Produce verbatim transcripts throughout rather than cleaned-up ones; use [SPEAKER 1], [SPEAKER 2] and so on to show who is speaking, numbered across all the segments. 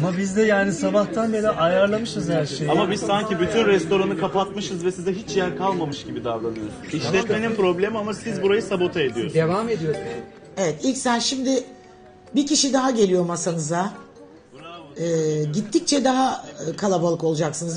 [SPEAKER 1] Ama biz de yani sabahtan beri ayarlamışız her şeyi.
[SPEAKER 2] Ama biz sanki bütün restoranı kapatmışız ve size hiç yer kalmamış gibi davranıyorsunuz. İşletmenin problemi ama siz burayı sabote ediyorsunuz.
[SPEAKER 3] Devam ediyoruz.
[SPEAKER 4] Evet, ilk sen şimdi bir kişi daha geliyor masanıza. Ee, gittikçe daha kalabalık olacaksınız.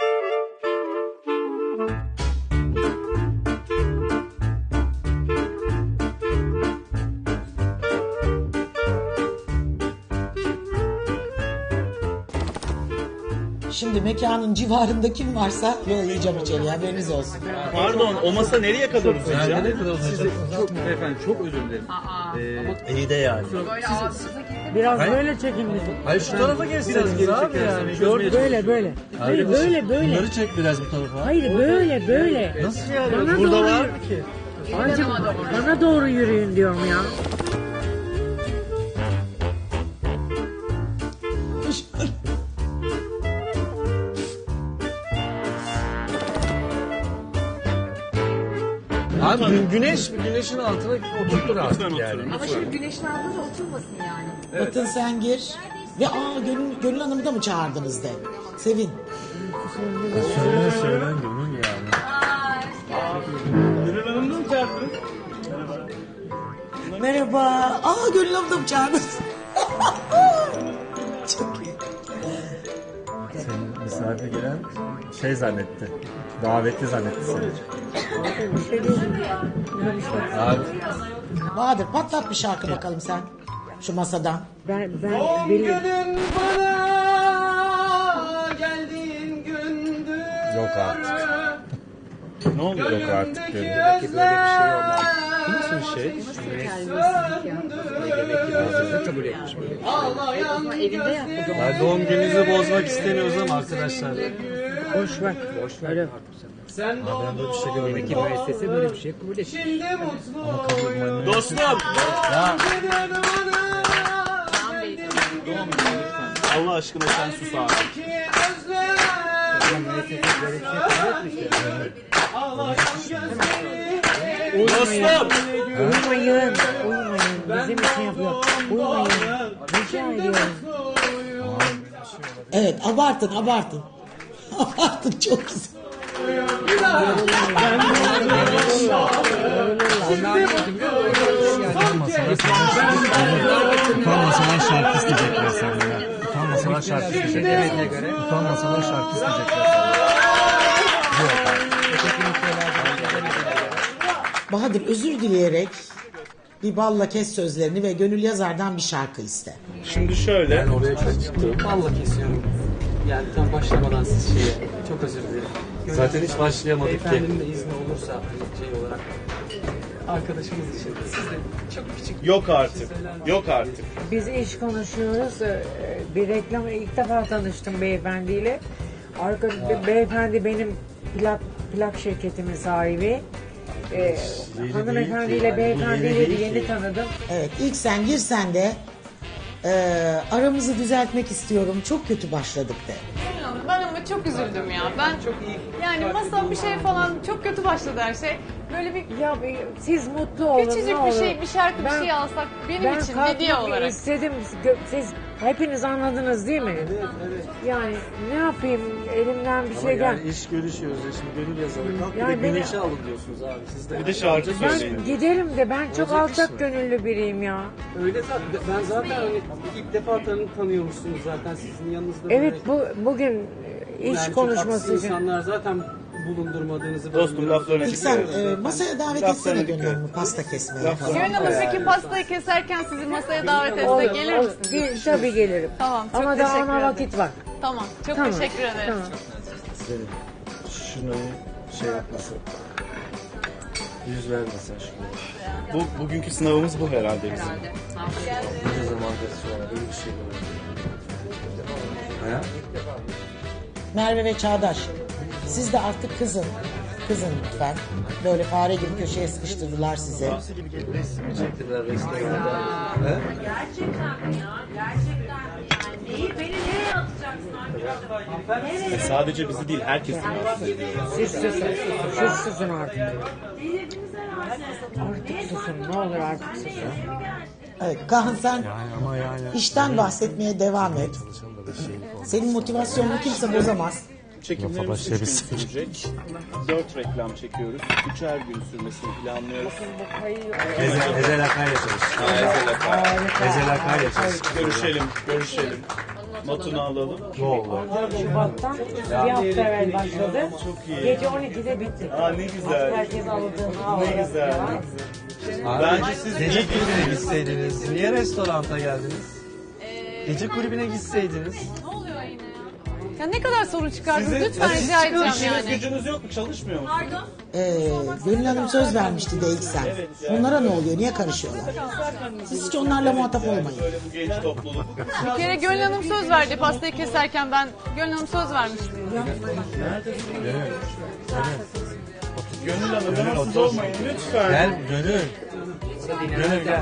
[SPEAKER 4] Şimdi mekanın civarında kim varsa yollayacağım içeriye, haberiniz olsun.
[SPEAKER 2] Pardon, o masa nereye kadar uzayacak?
[SPEAKER 1] Ne kadar olacak?
[SPEAKER 3] Çok efendim çok özür dilerim. Ee,
[SPEAKER 1] İyi de yani.
[SPEAKER 5] Biraz
[SPEAKER 1] Hayır.
[SPEAKER 5] böyle çekin bizi.
[SPEAKER 1] Hayır şu tarafa geçseniz
[SPEAKER 3] geri
[SPEAKER 1] abi
[SPEAKER 3] çekersen
[SPEAKER 1] yani.
[SPEAKER 3] çözmeye
[SPEAKER 1] Gördün.
[SPEAKER 5] Böyle böyle. Hayır böyle böyle.
[SPEAKER 1] Bunları çek biraz bu tarafa.
[SPEAKER 5] Hayır böyle böyle.
[SPEAKER 1] Nasıl yani?
[SPEAKER 5] Bana
[SPEAKER 1] Burada
[SPEAKER 5] doğru
[SPEAKER 1] var
[SPEAKER 5] yürü.
[SPEAKER 1] mı ki?
[SPEAKER 5] Ancak bana doğru yürüyün diyorum ya.
[SPEAKER 1] Abi gü- güneş güneşin altına oturtur artık yani.
[SPEAKER 6] Ama şimdi güneşin altında oturmasın yani.
[SPEAKER 4] Batın sen gir. Ve aa Gönül, Gönül Hanım'ı da mı çağırdınız de. Sevin.
[SPEAKER 1] Söyle söyle gönül yani.
[SPEAKER 2] Gönül Hanım'ı mı çağırdınız?
[SPEAKER 4] Merhaba. Aa Gönül Hanım'ı da mı çağırdınız? Çok iyi.
[SPEAKER 1] Senin misafir gelen şey zannetti. Davetli zannetti seni. Abi
[SPEAKER 4] Bahadır patlat bir şarkı bakalım sen. Şu masadan.
[SPEAKER 5] Ben ben biliyorum.
[SPEAKER 1] yok artık.
[SPEAKER 2] Ne oluyor?
[SPEAKER 1] Yok artık gönül.
[SPEAKER 3] Belki böyle bir şey olmaz.
[SPEAKER 1] Bu nasıl bir şey?
[SPEAKER 3] Demek ki bazıları kabul etmiş böyle bir şey.
[SPEAKER 6] Evinde yaptı.
[SPEAKER 1] Ya doğum gününüzü bozmak istemiyoruz ama arkadaşlar.
[SPEAKER 5] Boş ver.
[SPEAKER 3] Boş ver.
[SPEAKER 5] Öyle.
[SPEAKER 3] Artık sen.
[SPEAKER 1] Abi ben böyle bir şey
[SPEAKER 3] Demek ki
[SPEAKER 1] görmedim.
[SPEAKER 3] müessese böyle bir şey kabul etmiş.
[SPEAKER 2] Dostum!
[SPEAKER 1] Ya
[SPEAKER 2] Allah aşkına sen sus abi.
[SPEAKER 3] Sen müessese böyle bir şey kabul etmiş.
[SPEAKER 2] Dostum!
[SPEAKER 5] Uyumayın. Uyumayın. Bizim için yapıyor. Uyumayın. Rica ediyorum.
[SPEAKER 4] Evet abartın abartın. Abartın çok güzel.
[SPEAKER 1] utanmasalar şarkı isteyecekler senden. Utanmasalar şarkı isteyecekler. Utanmasalar şarkı isteyecekler.
[SPEAKER 4] Bahadır özür dileyerek bir balla kes sözlerini ve Gönül Yazar'dan bir şarkı iste.
[SPEAKER 2] Şimdi şöyle.
[SPEAKER 1] Ben oraya çıktım.
[SPEAKER 7] Valla kesiyorum. Yani tam başlamadan siz şeye çok özür dilerim.
[SPEAKER 1] Zaten hiç başlayamadık ki.
[SPEAKER 7] Beyefendinin de izni olursa hani şey olarak arkadaşımız için siz de çok küçük
[SPEAKER 2] Yok artık. Yok artık.
[SPEAKER 5] Biz iş konuşuyoruz. Ee, Bir reklam ilk defa tanıştım beyefendiyle. Arka be- beyefendi benim plak plak şirketimin sahibi. Ee, hanımefendiyle beyefendiyle de yeni tanıdım.
[SPEAKER 4] Evet ilk sen gir sen de e, aramızı düzeltmek istiyorum. Çok kötü başladık de.
[SPEAKER 8] Ben ama çok üzüldüm ya. Ben çok iyi. Yani masa bir şey falan çok kötü başladı her şey. Böyle bir
[SPEAKER 5] Ya bir- siz mutlu olun. ne
[SPEAKER 8] küçücük bir
[SPEAKER 5] olur.
[SPEAKER 8] şey, bir şarkı, bir
[SPEAKER 5] Ben-
[SPEAKER 8] şey alsak benim
[SPEAKER 5] Ben
[SPEAKER 8] için
[SPEAKER 5] kalkmak
[SPEAKER 8] hediye olarak.
[SPEAKER 5] istedim. Gö- Siz hepiniz anladınız değil mi? Yani ne yapayım elimden bir şey gel.
[SPEAKER 7] yani iş görüşüyoruz ya şimdi Gönül Yazarı kalk
[SPEAKER 5] Yani
[SPEAKER 7] bir de
[SPEAKER 5] beni-
[SPEAKER 7] güneşe alın diyorsunuz abi siz de.
[SPEAKER 2] Bir de şarkı söyleyin.
[SPEAKER 5] Ben giderim de ben çok alçak gönüllü biriyim ya.
[SPEAKER 7] Öyle zaten ben zaten hani ilk defa tanı tanıyormuşsunuz zaten sizin yanınızda.
[SPEAKER 5] Evet bu bugün iş
[SPEAKER 7] yani çok
[SPEAKER 5] konuşması
[SPEAKER 7] haksız
[SPEAKER 5] için.
[SPEAKER 7] insanlar zaten bulundurmadığınızı
[SPEAKER 2] Dostum laflarını
[SPEAKER 4] İlk sen e, masaya davet etsene
[SPEAKER 2] Laflarına
[SPEAKER 4] Gönül
[SPEAKER 2] dikkat.
[SPEAKER 4] Hanım'ı pasta kesmeye falan.
[SPEAKER 8] Gönül Hanım peki pastayı keserken sizi masaya davet etse
[SPEAKER 5] Olur,
[SPEAKER 8] gelir
[SPEAKER 5] olur.
[SPEAKER 8] misiniz?
[SPEAKER 5] Gel- tabii gelirim.
[SPEAKER 8] Tamam, çok
[SPEAKER 5] Ama daha
[SPEAKER 8] teşekkür
[SPEAKER 5] ona
[SPEAKER 8] ederim.
[SPEAKER 5] vakit var.
[SPEAKER 8] Tamam, çok
[SPEAKER 5] Tamam.
[SPEAKER 8] teşekkür ederim.
[SPEAKER 5] Tamam.
[SPEAKER 1] Şunu şey yapmasın. Yüz vermesin şunu.
[SPEAKER 2] Bu, bugünkü sınavımız bu herhalde bizim.
[SPEAKER 1] Ne zamandır sonra böyle bir şey var. Ha?
[SPEAKER 4] Merve ve Çağdaş siz de artık kızın. Kızın lütfen. Böyle fare gibi köşeye sıkıştırdılar sizi.
[SPEAKER 1] Çektiler restoranda. Ha?
[SPEAKER 6] Gerçekten mi ya? Gerçekten mi? Yani neyi, beni nereye atacaksın? Nereye?
[SPEAKER 2] E, sadece bizi değil herkesi.
[SPEAKER 5] Siz susun. Siz susun artık.
[SPEAKER 6] Delirdiniz herhalde.
[SPEAKER 5] Artık susun. Ne olur artık susun.
[SPEAKER 6] Nereye mi geldi?
[SPEAKER 4] Evet, Kaan sen
[SPEAKER 1] Yani ama yani.
[SPEAKER 4] işten bahsetmeye devam et. Senin motivasyonunu kimse bozamaz.
[SPEAKER 2] Çekimlerimiz
[SPEAKER 1] Lafa
[SPEAKER 2] üç gün
[SPEAKER 1] başlayabiliriz.
[SPEAKER 2] sürecek. Dört reklam çekiyoruz. Üçer gün sürmesini planlıyoruz.
[SPEAKER 1] Ezel, Ezel Akay'la çalış. Ezel Akay'la çalış.
[SPEAKER 2] Görüşelim, görüşelim. Notunu alalım.
[SPEAKER 1] Ne oldu?
[SPEAKER 5] Şubat'tan bir hafta evvel başladı.
[SPEAKER 2] Çok iyi.
[SPEAKER 5] Gece on ikide bitti.
[SPEAKER 2] Aa ne güzel.
[SPEAKER 5] Herkes aldığını
[SPEAKER 2] Ne
[SPEAKER 5] aldı.
[SPEAKER 2] güzel. Bence siz
[SPEAKER 9] Gece
[SPEAKER 2] iyi
[SPEAKER 9] kulübüne gitseydiniz. Niye restoranta geldiniz? Gece kulübüne gitseydiniz.
[SPEAKER 8] Ne oluyor yine ya? Ya ne kadar sorun çıkardınız
[SPEAKER 2] Sizin-
[SPEAKER 8] lütfen
[SPEAKER 2] siz
[SPEAKER 8] rica
[SPEAKER 2] çıkın,
[SPEAKER 8] edeceğim
[SPEAKER 2] işiniz
[SPEAKER 8] yani.
[SPEAKER 2] gücünüz yok mu? Çalışmıyor musunuz?
[SPEAKER 8] Pardon?
[SPEAKER 4] Ee, Gönül Hanım söz vermişti de ilk sen. Onlara ne oluyor? Niye karışıyorlar? Siz hiç onlarla muhatap olmayın.
[SPEAKER 2] Böyle bu genç topluluk.
[SPEAKER 8] Bir kere Gönül Hanım söz verdi pastayı keserken ben Gönül Hanım söz vermiştim.
[SPEAKER 2] Gönül Hanım rahatsız olmayın lütfen.
[SPEAKER 9] Gel Gönül. Gönül gel.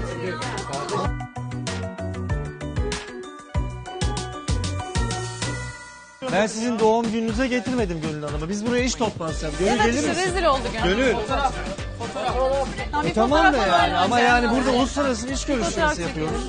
[SPEAKER 9] Ben sizin doğum gününüze getirmedim Gönül Hanım'ı. Biz buraya iş toplantısı yaptık. Gönül
[SPEAKER 8] Evet
[SPEAKER 9] gelir
[SPEAKER 8] işte
[SPEAKER 9] misin?
[SPEAKER 8] rezil oldu Gönül.
[SPEAKER 9] Gönül.
[SPEAKER 8] Tamam, bir
[SPEAKER 9] E tamam da
[SPEAKER 8] fotoğraf
[SPEAKER 9] yani
[SPEAKER 8] alalım
[SPEAKER 9] ama
[SPEAKER 8] önce.
[SPEAKER 9] yani burada uluslararası iş
[SPEAKER 8] Fotoğraf
[SPEAKER 9] görüşmesi yapıyoruz.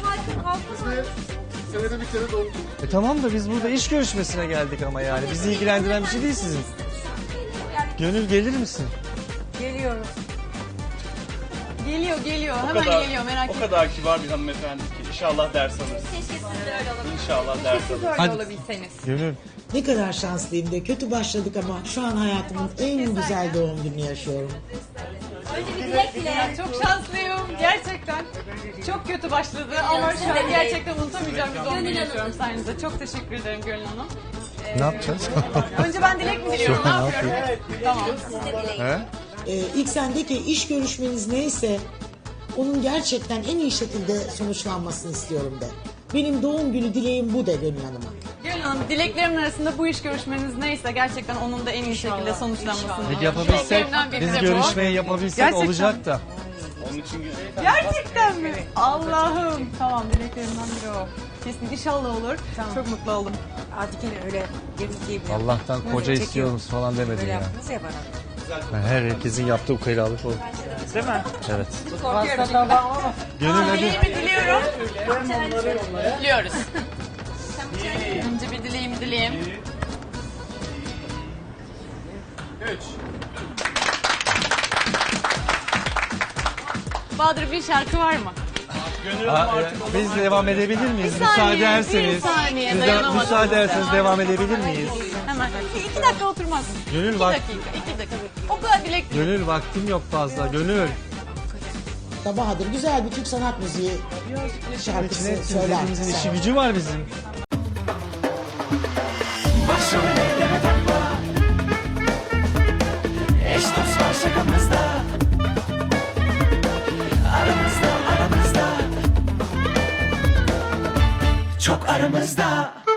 [SPEAKER 9] E tamam da biz burada iş görüşmesine geldik ama yani. Bizi ilgilendiren bir şey değil sizin. Gönül gelir misin?
[SPEAKER 5] Geliyorum.
[SPEAKER 8] Geliyor geliyor
[SPEAKER 2] O
[SPEAKER 8] hemen
[SPEAKER 2] kadar-
[SPEAKER 8] geliyor merak
[SPEAKER 2] O
[SPEAKER 8] etme.
[SPEAKER 2] kadar kibar bir hanımefendi ki. İnşallah ders alırız.
[SPEAKER 6] Keşke siz de öyle olabilseniz.
[SPEAKER 2] İnşallah ders alırız.
[SPEAKER 8] Öyle
[SPEAKER 9] Hadi.
[SPEAKER 8] olabilseniz.
[SPEAKER 9] Gönül.
[SPEAKER 4] Ne kadar şanslıyım de kötü başladık ama şu an hayatımın en güzel doğum gününü yaşıyorum.
[SPEAKER 6] Önce bir dilek dile.
[SPEAKER 8] Çok şanslıyım gerçekten. Çok kötü başladı ama şu an gerçekten unutamayacağım bir doğum günü yaşıyorum sayenizde. Çok teşekkür ederim Gönül Hanım.
[SPEAKER 9] Ne yapacağız?
[SPEAKER 8] Önce ben dilek mi diliyorum? Ne yapıyorum? Tamam.
[SPEAKER 9] He?
[SPEAKER 4] Ee, ilk sendeki iş görüşmeniz neyse onun gerçekten en iyi şekilde sonuçlanmasını istiyorum de. Benim doğum günü dileğim bu de Gönül Hanım'a.
[SPEAKER 8] Gönül Hanım dileklerimin arasında bu iş görüşmeniz neyse gerçekten onun da en iyi şekilde sonuçlanmasını.
[SPEAKER 9] Peki yapabilsek,
[SPEAKER 8] Dileklerimden biri
[SPEAKER 9] biz
[SPEAKER 8] de bu.
[SPEAKER 9] görüşmeyi yapabilsek
[SPEAKER 8] Gerçekten.
[SPEAKER 9] olacak da.
[SPEAKER 2] Onun için
[SPEAKER 8] Gerçekten mi? Allah'ım. Tamam dileklerimden biri o. Kesin inşallah olur. Çok mutlu oldum.
[SPEAKER 5] Artık yine öyle yemek yiyip
[SPEAKER 9] Allah'tan koca istiyoruz falan demedin
[SPEAKER 5] Böyle
[SPEAKER 9] ya.
[SPEAKER 5] yaptınız ya bana.
[SPEAKER 9] Ben her herkesin yaptığı ukalalık o.
[SPEAKER 2] değil mi?
[SPEAKER 9] Evet.
[SPEAKER 5] Pasta tabağım ama.
[SPEAKER 9] Gönül hadi.
[SPEAKER 8] Dileğimi diliyorum. Diliyoruz. Önce bir dileğimi dileyim.
[SPEAKER 2] Üç.
[SPEAKER 8] Bahadır bir şarkı var mı?
[SPEAKER 2] Gönül
[SPEAKER 9] Aa,
[SPEAKER 2] Hanım
[SPEAKER 9] e,
[SPEAKER 2] artık
[SPEAKER 9] biz devam edebilir miyiz?
[SPEAKER 8] Bir saniye,
[SPEAKER 9] Müsaade
[SPEAKER 8] bir
[SPEAKER 9] ederseniz.
[SPEAKER 8] saniye,
[SPEAKER 9] Biz de,
[SPEAKER 8] dayanamadım.
[SPEAKER 9] müsaade ederseniz devam edebilir miyiz?
[SPEAKER 8] Hemen. İki dakika oturmaz.
[SPEAKER 9] Gönül
[SPEAKER 8] İki
[SPEAKER 9] bak.
[SPEAKER 8] dakika, iki dakika. O kadar dilek.
[SPEAKER 9] Gönül vaktim yok fazla. Gönül.
[SPEAKER 4] Da Bahadır güzel bir Türk sanat müziği şarkısı
[SPEAKER 9] İçine
[SPEAKER 4] söyler.
[SPEAKER 9] hepimizin
[SPEAKER 4] sen.
[SPEAKER 9] işi gücü var bizim.
[SPEAKER 10] Eş dost var şakamızda. Aramızda aramızda. Çok aramızda.